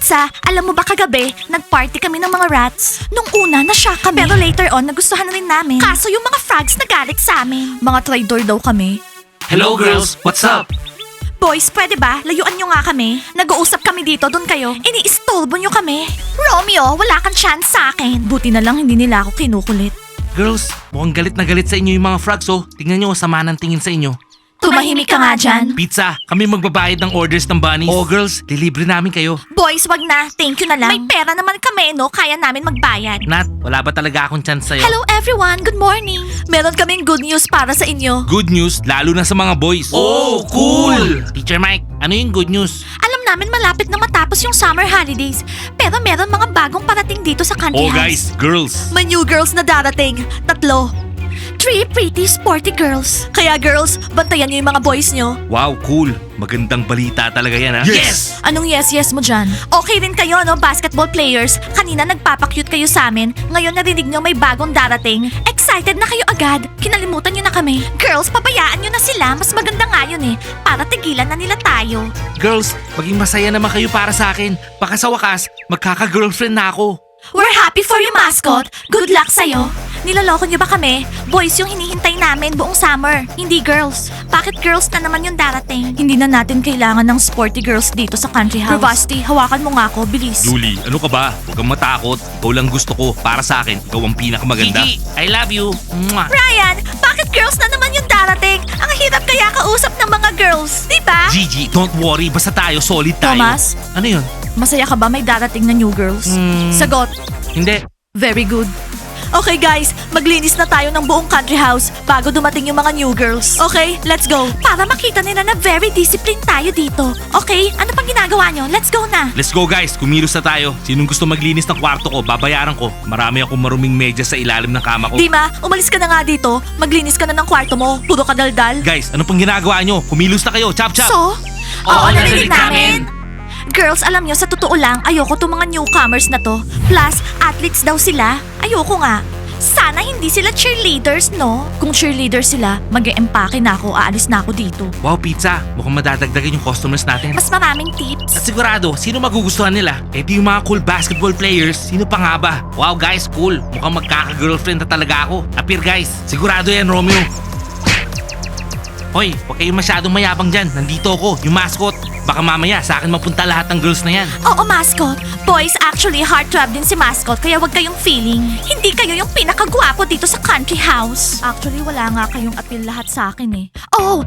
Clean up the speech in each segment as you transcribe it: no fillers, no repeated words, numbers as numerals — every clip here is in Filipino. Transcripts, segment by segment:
Pizza, alam mo ba kagabi, nag-party kami ng mga rats? Nung una, na-shock kami. Pero later on, nagustuhan na rin namin. Kaso yung mga frogs nagalit sa amin. Mga traitor daw kami. Hello girls, what's up? Boys, pwede ba? Layuan nyo nga kami. Nag-uusap kami dito, doon kayo. Ini-istolbo nyo kami. Romeo, wala kang chance sa akin. Buti na lang hindi nila ako kinukulit. Girls, mukhang galit na galit sa inyo yung mga frogs oh. Tingnan nyo, sama ng tingin sa inyo. Tumahimik ka nga dyan. Pizza, kami magbabayad ng orders ng bunnies. Oh girls, delivery namin kayo. Boys, wag na. Thank you na lang. May pera naman kami, no? Kaya namin magbayad. Nat, wala ba talaga akong chance sa'yo? Hello everyone, good morning. Meron kaming good news para sa inyo. Good news, lalo na sa mga boys. Oh, cool! Teacher Mike, ano yung good news? Alam namin malapit na matapos yung summer holidays. Pero meron mga bagong parating dito sa country Oh house. guys, girls. May new girls na darating. 3. 3 pretty sporty girls. Kaya girls, bantayan niyo yung mga boys niyo. Wow, cool. Magandang balita talaga yan ha. Yes! Anong yes mo dyan? Okay rin kayo, no, basketball players. Kanina nagpapakyut kayo sa amin. Ngayon narinig nyo may bagong darating. Excited na kayo agad. Kinalimutan nyo na kami. Girls, pabayaan nyo na sila. Mas maganda nga yun eh. Para tigilan na nila tayo. Girls, maging masaya naman kayo para sa akin. Baka sa wakas, magkaka-girlfriend na ako. We're happy for you, mascot. Good luck sa'yo. Niloloko niyo ba kami? Boys yung hinihintay namin buong summer, hindi girls. Bakit girls na naman yung darating? Hindi na natin kailangan ng sporty girls dito sa country house. Bravasti, hawakan mo nga ako, bilis. Julie, ano ka ba? Huwag kang matakot. Ikaw lang gusto ko. Para sa akin, ikaw ang pinakamaganda. Gigi, I love you. Mwah. Ryan, bakit girls na naman yung darating? Ang hirap kaya kausap ng mga girls, di ba? Gigi, don't worry. Basta tayo, solid tayo. Thomas? Ano yun? Masaya ka ba may darating na new girls? Sagot. Hindi. Very good. Okay guys, maglinis na tayo ng buong country house bago dumating yung mga new girls. Okay, let's go. Para makita nila na very disciplined tayo dito. Okay, ano pang ginagawa nyo? Let's go na. Let's go guys, kumilos na tayo. Sinong gusto maglinis ng kwarto ko, babayaran ko. Marami akong maruming medyas sa ilalim ng kama ko. Dima, umalis ka na nga dito. Maglinis ka na ng kwarto mo. Puro ka daldal. Guys, ano pang ginagawa nyo? Kumilos na kayo, chop chop. So? Oo, narinig namin. Girls, alam nyo, sa totoo lang, ayoko tong mga newcomers na to. Plus, athletes daw sila. Ayoko nga. Sana hindi sila cheerleaders, no? Kung cheerleaders sila, mag-e-empake na ako, aalis na ako dito. Wow, pizza. Mukhang madadagdagan yung customers natin. Mas maraming tips. At sigurado, sino magugustuhan nila? Eh di yung mga cool basketball players. Sino pa nga ba? Wow guys, cool. Mukhang magkaka-girlfriend na talaga ako. Appear guys. Sigurado yan, Romeo. Hoy, huwag kayong masyadong mayabang dyan. Nandito ako, yung mascot. Baka mamaya sa akin mapunta lahat ng girls na yan. Oo, mascot. Boys, actually, heartthrob din si mascot, kaya wag kayong feeling. Hindi kayo yung pinakagwapo dito sa country house. Actually, wala nga kayong appeal lahat sa akin eh. Oh!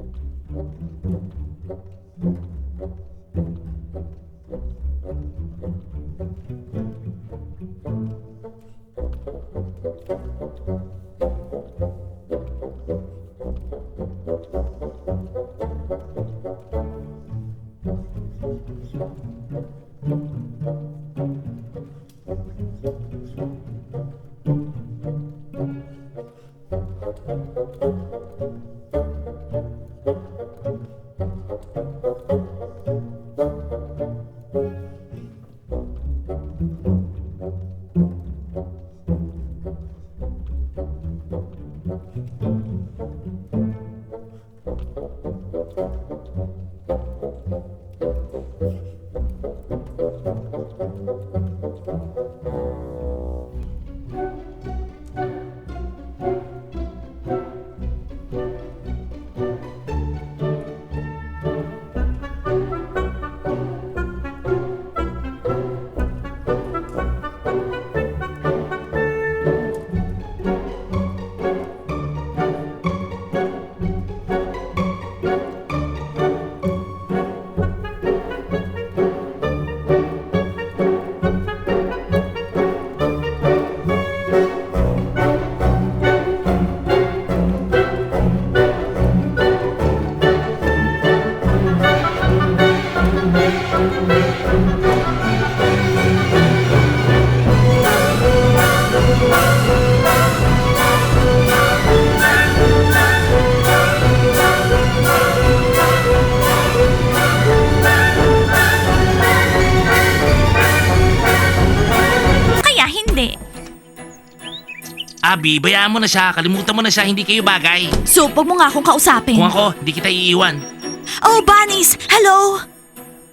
Abby, bayaan mo na siya. Kalimutan mo na siya. Hindi kayo bagay. So, wag mo nga akong kausapin. Kung ako, hindi kita iiwan. Oh, bunnies! Hello!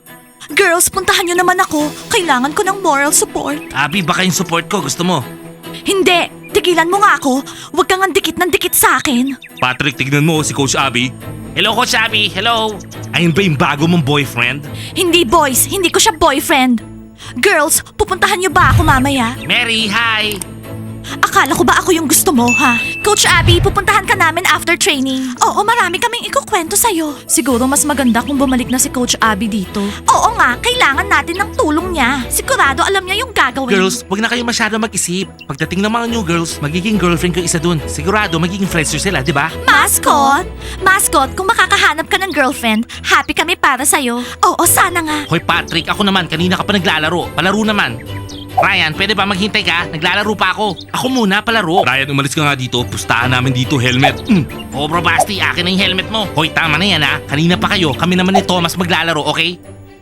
Girls, puntahan nyo naman ako. Kailangan ko ng moral support. Abby, baka yung support ko gusto mo. Hindi! Tigilan mo nga ako. Huwag kang dikit ng dikit sa akin. Patrick, tignan mo si Coach Abby. Hello, Coach Abby. Hello. Ayun ba yung bago mong boyfriend? Hindi boys, hindi ko siya boyfriend. Girls, pupuntahan nyo ba ako mamaya? Mary, hi. Akala ko ba ako yung gusto mo, ha? Coach Abby, pupuntahan ka namin after training. Oo, marami kaming ikukwento sa'yo. Siguro mas maganda kung bumalik na si Coach Abby dito. Oo nga, kailangan natin ng tulong niya. Sigurado alam niya yung gagawin. Girls, wag na kayo masyado mag-isip. Pagdating ng mga new girls, magiging girlfriend ko isa dun. Sigurado, magiging friends nyo sila, di ba? Mascot! Mascot, kung makakahanap ka ng girlfriend, happy kami para sa'yo. Oo, sana nga. Hoy Patrick, ako naman, kanina ka pa naglalaro. Palaro naman. Ryan, pwede ba maghintay ka? Naglalaro pa ako. Ako muna, palaro. Ryan, umalis ka nga dito. Pustahan namin dito, helmet. Oo, bro Basti, akin na yung helmet mo. Hoy, tama na yan ha. Kanina pa kayo, kami naman ni Thomas maglalaro, okay?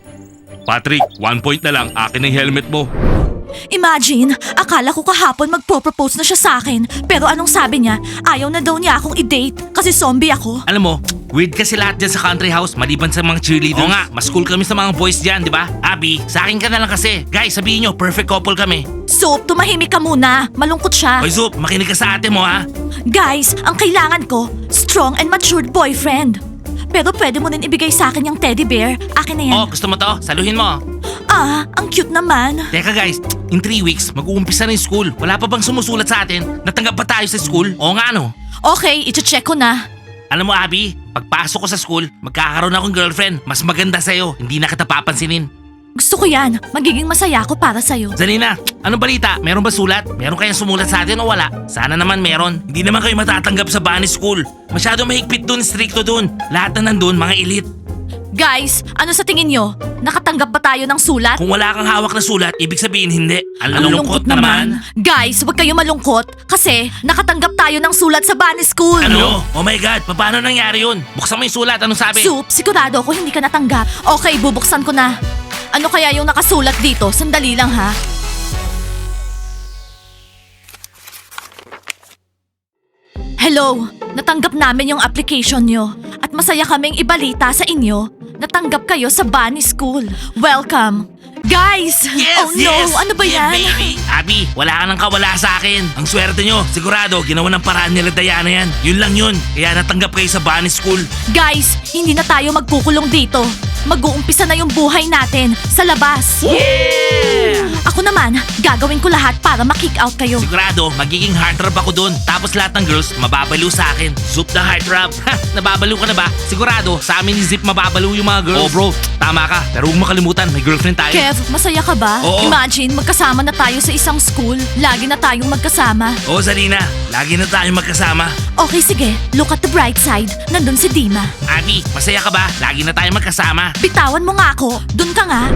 Patrick, 1 point na lang. Akin na yung helmet mo. Imagine, akala ko kahapon magpo-propose na siya sa akin. Pero anong sabi niya? Ayaw na daw niya akong i-date kasi zombie ako. Alam mo, weird kasi lahat dyan sa country house maliban sa mga cheerleaders. Oo nga, mas cool kami sa mga boys dyan, di ba? Abby, sa akin ka na lang kasi. Guys, sabihin nyo, perfect couple kami. Soup, tumahimik ka muna. Malungkot siya. Hoy Zup, makinig ka sa ate mo ha. Guys, ang kailangan ko, strong and matured boyfriend. Pero pwede mo din ibigay sa akin yung teddy bear. Akin na yan. Oh, gusto mo to? Saluhin mo. Ah, ang cute naman. Teka guys, in 3 weeks, mag-uumpisa na yung school. Wala pa bang sumusulat sa atin? Natanggap ba tayo sa school? Oo nga no. Okay, iche-check ko na. Alam mo Abby, pagpasok ko sa school, magkakaroon akong girlfriend. Mas maganda sa'yo, hindi na kita papansinin. Gusto ko yan. Magiging masaya ako para sa'yo. Zanina, anong balita? Meron ba sulat? Meron kayang sumulat sa atin o wala? Sana naman meron. Hindi naman kayo matatanggap sa bunny school. Masyado mahigpit dun, stricto dun. Lahat na nandun, mga elite. Guys, ano sa tingin nyo? Nakatanggap ba tayo ng sulat? Kung wala kang hawak na sulat, ibig sabihin hindi. Ang lungkot naman. Guys, huwag kayo malungkot kasi nakatanggap tayo ng sulat sa bunny school. Ano? Oh my God, paano nangyari yun? Buksan mo yung sulat, anong sabi? Soup, sigurado ako hindi ka natanggap. Okay, bubuksan ko na. Ano kaya yung nakasulat dito? Sandali lang ha. Hello, natanggap namin yung application nyo at masaya kaming ibalita sa inyo. Natanggap kayo sa bunny school. Welcome! Guys! Oh no, ano ba Yeah, yan? baby. Abby, wala ka nang kawala sa akin. Ang swerte nyo, sigurado, ginawa ng paraan nila Diana yan. Yun lang yun, kaya natanggap kayo sa bunny school. Guys, hindi na tayo magkukulong dito. Mag-uumpisa na yung buhay natin sa labas. Yeah! Ako naman, gagawin ko lahat para ma-kick out kayo. Sigurado, magiging heartthrob ako dun. Tapos lahat ng girls, mababaliw sa akin. Zup na heartthrob. Ha, nababaliw ka na ba? Sigurado, sa amin ni Zip mababaliw yung mga girls. Oh bro, tama ka. Pero huwag makalimutan, may girlfriend tayo. Kev, masaya ka ba? Oo. Imagine, magkasama na tayo sa isang school. Lagi na tayong magkasama. Oo, Zalina. Lagi na tayong magkasama. Okay, sige. Look at the bright side. Nandun si Dima. Abby, masaya ka ba? Lagi na tayong magkasama. Bitawan mo nga ako. Dun ka nga.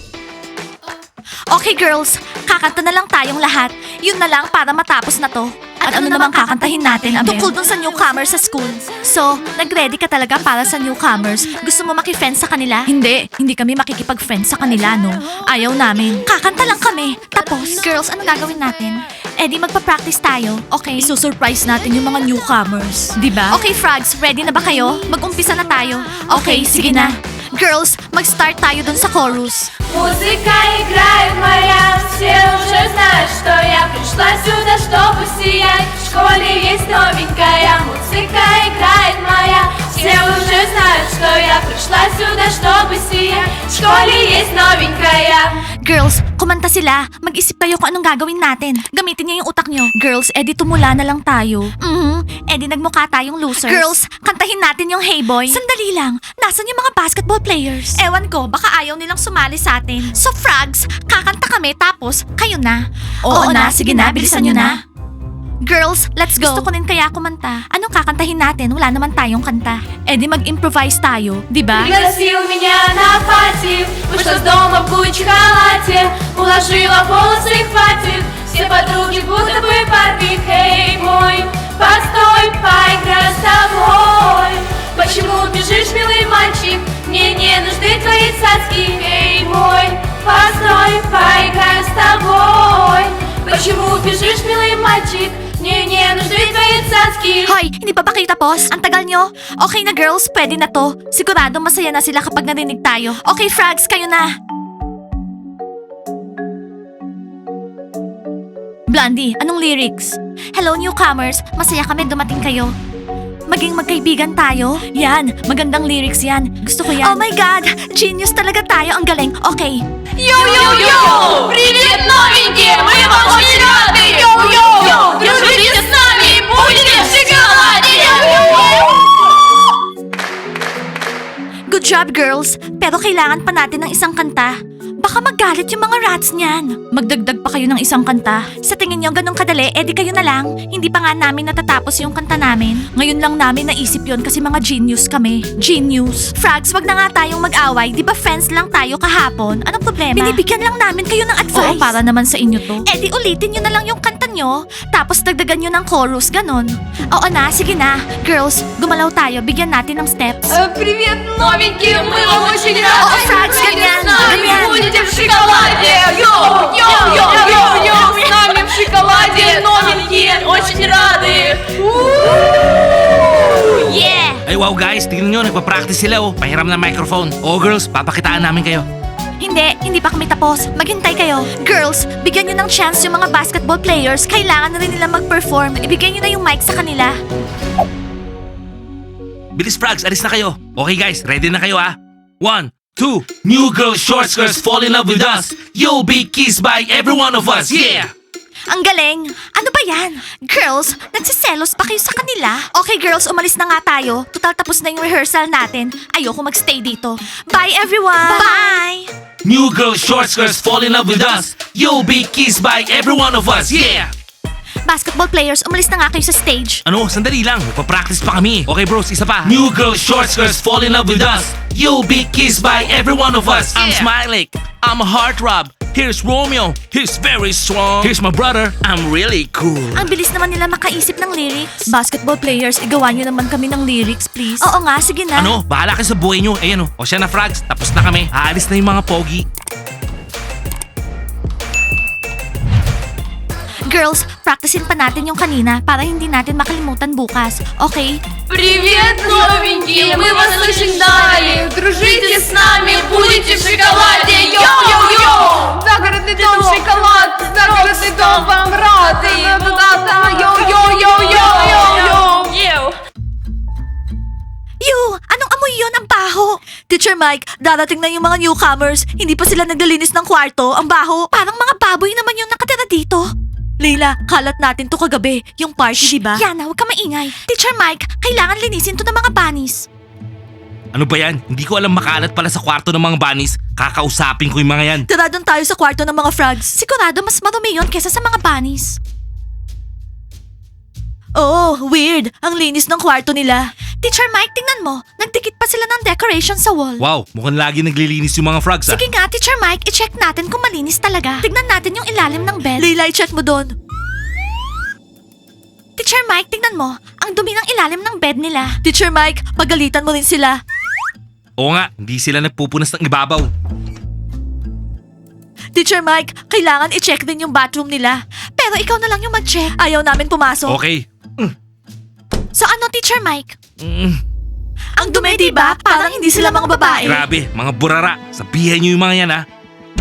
Okay, girls. Kakanta na lang tayong lahat. Yun na lang para matapos na to. At ano namang kakantahin natin, Abel? Tungkol dun sa newcomers sa school. So, nag-ready ka talaga para sa newcomers? Gusto mo maki-friends sa kanila? Hindi. Hindi kami makikipag-friends sa kanila, no? Ayaw namin. Kakanta lang kami. Tapos, girls, ano gagawin natin? Eh di magpa-practice tayo, okay? Isusurprise natin yung mga newcomers, di ba? Okay, Frogs, ready na ba kayo? Mag-umpisa na tayo. Okay, sige na. Girls, mag-start tayo dun sa chorus. Музыка играет моя, все уже знают, что я пришла сюда, чтобы сиять. В школе есть новенькая, музыка играет моя, все уже знают, что я пришла сюда, чтобы сиять. В школе есть новенькая. Girls, kumanta sila. Mag-isip kayo kung anong gagawin natin. Gamitin niyo yung utak niyo. Girls, edi tumula na lang tayo. Edi nagmukha tayong losers. Girls, kantahin natin yung Hey Boy. Sandali lang. Nasaan yung mga basketball players? Ewan ko, baka ayaw nilang sumali sa atin. So Frogs, kakanta kami tapos kayo na. Oo na, sige na, bilisan niyo na. Girls, let's go. Gusto ko din kaya kumanta. Anong kakantahin natin? Wala naman tayong kanta. Edi mag-improvise tayo, di ba? Пригласил меня на пати, вышла с дома в Гуччи халате, уложила волосы, хватит, все подруги будто бы Барби. Эй, мой, постой, поиграю с тобой. Почему бежишь, милый мальчик? Мне не нужны твои цацки. Эй, мой, постой, поиграю с тобой. Почему бежишь, милый мальчик? Мне не нужны твои пацанский. Hoy, hindi pa ba kayo tapos? Ang tagal nyo? Okay na girls, pwede na to. Sigurado masaya na sila kapag narinig tayo. Okay, Frogs, kayo na. Blondie, anong lyrics? Hello newcomers, masaya kami dumating kayo. Maging magkaibigan tayo? Yan, magandang lyrics yan. Gusto ko yan. Oh my God, genius talaga tayo. Ang galing. Okay. Йоу-йоу-йоу! Привет, новенькие! Мы вам очень рады! Йоу-йоу! Дружите с нами! Будете в шоколаде! Good job, girls. Pero kailangan pa natin ng isang kanta. Baka magalit yung mga rats niyan. Magdagdag pa kayo ng isang kanta. Sa tingin nyo ganun kadali, edi kayo na lang. Hindi pa nga namin natatapos yung kanta namin. Ngayon lang namin naisip yon kasi mga genius kami. Genius. Frogs, wag na nga tayong mag-away. Di ba friends lang tayo kahapon? Anong problema? Binibigyan lang namin kayo ng advice. Oo, para naman sa inyo to. Edi ulitin nyo na lang yung kanta nyo, tapos dagdagan nyo ng chorus, ganon. Oo na, sige na. Girls, gumalaw tayo. Bigyan natin ng steps. Привет, новенькие! Мы вам очень рады! О, Франц, Дружите ganyan, с нами! ganyan. Будете в шоколаде! Йоу-йоу-йоу-йоу! С нами в шоколаде! Новенькие! Очень рады! Yeah! Ay wow guys, tingnan nyo, nagpa-practice sila oh. Pahiram ng microphone. Oh girls, papakitaan namin kayo. Hindi pa kami tapos. Maghintay kayo. Girls, bigyan nyo ng chance yung mga basketball players. Kailangan na rin nila mag-perform. Ibigay nyo na yung mic sa kanila. Bilis Frogs, alis na kayo. Okay guys, ready na kayo ah. 1, 2, new girl short skirts fall in love with us. You'll be kissed by every one of us, yeah! Ang galing! Ano ba yan? Girls, nagsiselos pa kayo sa kanila? Okay girls, umalis na nga tayo. Total tapos na yung rehearsal natin. Ayoko magstay dito. Bye everyone! Bye! New girl short skirts fall in love with us. You'll be kissed by every one of us, yeah! Basketball players, umalis na nga kayo sa stage. Ano, sandali lang. Magpa-practice pa kami. Okay bros, isa pa. New girl short skirts fall in love with us. You'll be kissed by every one of us. I'm Smiley. I'm a heartthrob. Here's Romeo. He's very strong. Here's my brother. I'm really cool. Ang bilis naman nila makaisip ng lyrics. Basketball players, igawa nyo naman kami ng lyrics, please. Oo nga, sige na. Ano, bahala kayo sa buhay nyo. Ayan o siya na Frogs. Tapos na kami. Aalis na yung mga pogi. Girls, practicein pa natin yung kanina para hindi natin makalimutan bukas. Okay? Привет, новенькие! Мы вас очень ждали! Дружите с нами! Будете в шоколаде! Йоу-йоу-йоу! Загородный дом, шоколад! Загородный дом вам рады! Йоу-йоу-йоу-йоу-йоу! Yu, anong amoy yon? Ang baho! Teacher Mike, darating na yung mga newcomers. Hindi pa sila naglilinis ng kwarto. Ang baho. Parang mga baboy naman yung nakatira dito. Leila, kalat natin to kagabi. Yung party, diba? Yana, huwag ka maingay. Teacher Mike, kailangan linisin to ng mga bunnies. Ano ba yan? Hindi ko alam makalat pala sa kwarto ng mga bunnies. Kakausapin ko yung mga yan. Tara doon tayo sa kwarto ng mga frogs. Sigurado mas marumi yun kesa sa mga bunnies. Oh, weird. Ang linis ng kwarto nila. Teacher Mike, tingnan mo. Nagdikit pa sila ng decoration sa wall. Wow, mukhang lagi naglilinis yung mga frogs ah. Sige nga, Teacher Mike, i-check natin kung malinis talaga. Tignan natin yung ilalim ng bed. Leila, i-check mo doon. Teacher Mike, tignan mo. Ang dumi ng ilalim ng bed nila. Teacher Mike, pagalitan mo rin sila. Oo nga, hindi sila nagpupunas ng ibabaw. Teacher Mike, kailangan i-check din yung bathroom nila. Pero ikaw na lang yung mag-check. Ayaw namin pumasok. Okay. So ano, Teacher Mike? Mm, Ang dumi, diba? Parang hindi sila mga babae. grabe, mga burara. Sabihan nyo yung mga yan ah.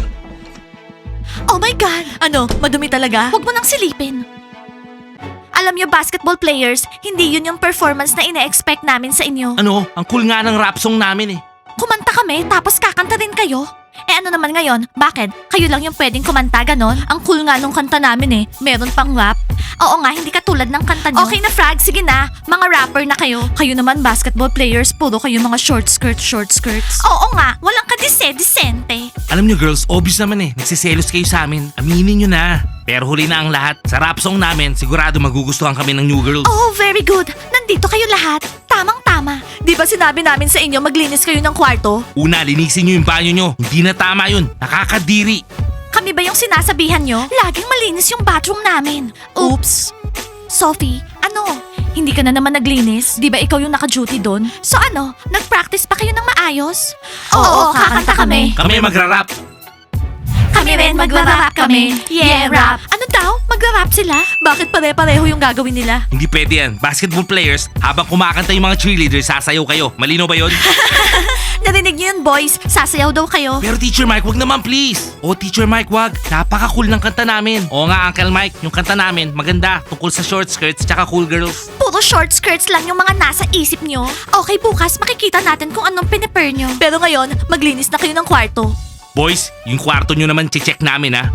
Oh my God! Ano, madumi talaga? Huwag mo nang silipin. Alam niyo, basketball players, hindi yun yung performance na ine-expect namin sa inyo. Ano, ang cool nga ng rap song namin eh. Kumanta kami, tapos kakanta rin kayo. Eh ano naman ngayon? Bakit? Kayo lang yung pwedeng kumanta, ganon? Ang cool nga nung kanta namin eh. Meron pang rap. Oo nga, hindi katulad ng kanta nyo. Okay na, Frog. Sige na. Mga rapper na kayo. Kayo naman, basketball players, puro kayo mga short skirts. Oo nga, walang kadise-disente. Alam nyo girls, obvious naman eh. Nagsiselos kayo sa amin. Aminin nyo na. Pero huli na ang lahat. Sa rap song namin, sigurado magugustuhan kami ng new girls. Oh, very good. Nandito kayo lahat. Tamang-tama. Di ba sinabi namin sa inyo maglinis kayo ng kwarto? Una, linisin nyo yung banyo nyo. Hindi na tama yun. Nakakadiri. Kami ba yung sinasabihan nyo? Laging malinis yung bathroom namin. Oops. Sophie, ano? Hindi ka na naman naglinis? Di ba ikaw yung naka-duty doon? So ano, nag-practice pa kayo ng maayos? Oo, kakanta kami. Kami magra-rap. Kami Kami rin, magra-rap kami. Yeah, rap. Ano daw? Magra-rap sila? Bakit pare-pareho yung gagawin nila? Hindi pwede yan. Basketball players, habang kumakanta yung mga cheerleaders, sasayaw kayo. Malino ba yun? Narinig niyo yun, boys. Sasayaw daw kayo. Pero Teacher Mike, wag naman please. Oh, Teacher Mike, wag. Napaka-cool ng kanta namin. Oo nga, Uncle Mike, yung kanta namin, maganda. Tungkol sa short skirts tsaka cool girls. Puro short skirts lang yung mga nasa isip nyo. Okay, bukas makikita natin kung anong piniper nyo. Pero ngayon, maglinis na kayo ng kwarto. Boys, yung kwarto nyo naman check namin ha.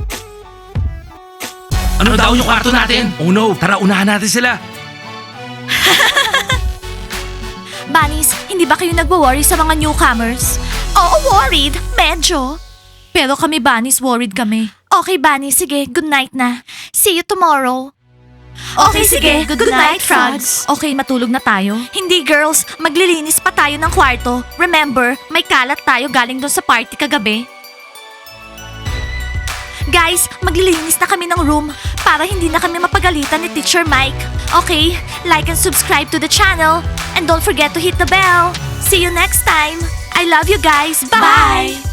Ano daw yung kwarto natin? Oh no, tara unahan natin sila. Bunnies, hindi ba kayo nagwo-worry sa mga newcomers? Oo, worried. Medyo. Pero kami, Bunnies, worried kami. Okay, Bunnies, sige. Good night na. See you tomorrow. Okay, sige. Good night, frogs. Okay, matulog na tayo. Hindi, girls. Maglilinis pa tayo ng kwarto. Remember, may kalat tayo galing doon sa party kagabi. Guys, maglilinis na kami ng room para hindi na kami mapagalitan ni Teacher Mike. Okay, like and subscribe to the channel. And don't forget to hit the bell. See you next time. I love you guys. Bye!